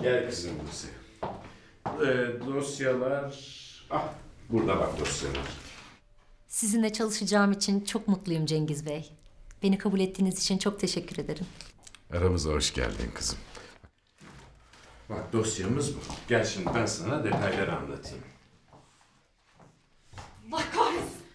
Gel kızım Buse. Dosyalar... Ah, burada bak dosyalar. Sizinle çalışacağım için çok mutluyum Cengiz Bey. Beni kabul ettiğiniz için çok teşekkür ederim. Aramıza hoş geldin kızım. Bak dosyamız bu. Gel şimdi ben sana detayları anlatayım. Allah kahretsin.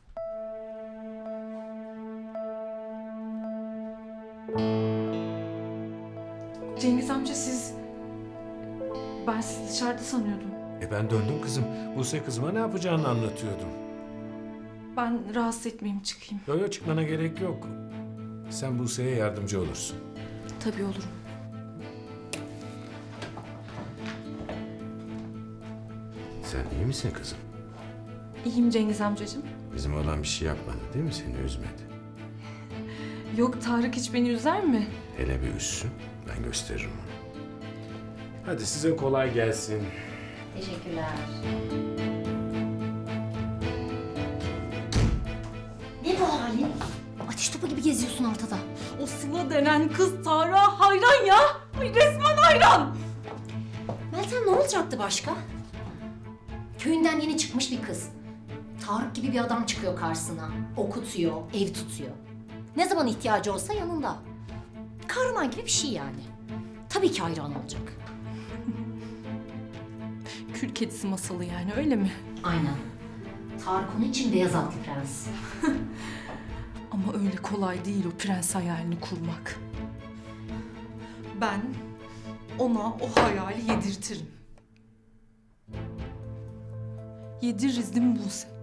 Cengiz amca siz... Ben sizi dışarıda sanıyordum. Ben döndüm kızım. Buse kızıma ne yapacağını anlatıyordum. Ben rahatsız etmeyeyim, çıkayım. Yo çıkmana gerek yok. Sen Buse'ye yardımcı olursun. Tabii olurum. Sen iyi misin kızım? İyiyim Cengiz amcacığım. Bizim olan bir şey yapmadı değil mi? Seni üzmedi. Yok, Tarık hiç beni üzer mi? Hele bir üzsün. Ben gösteririm onu. Hadi size kolay gelsin. Teşekkürler. Ne bu halin? Ateş topu gibi geziyorsun ortada. O Sıla denen kız Tarık'a hayran ya. Ay, resmen hayran. Meltem ne olacaktı başka? Köyünden yeni çıkmış bir kız. Tarık gibi bir adam çıkıyor karşısına. Okutuyor, ev tutuyor. Ne zaman ihtiyacı olsa yanında. Kahraman gibi bir şey yani. Tabii ki hayran olacak. Kül kedisi masalı yani, öyle mi? Aynen. Tarık onun için beyaz atlı prens. Ama öyle kolay değil o prens hayalini kurmak. Ben ona o hayali yedirtirim. Yediririz değil mi Buse?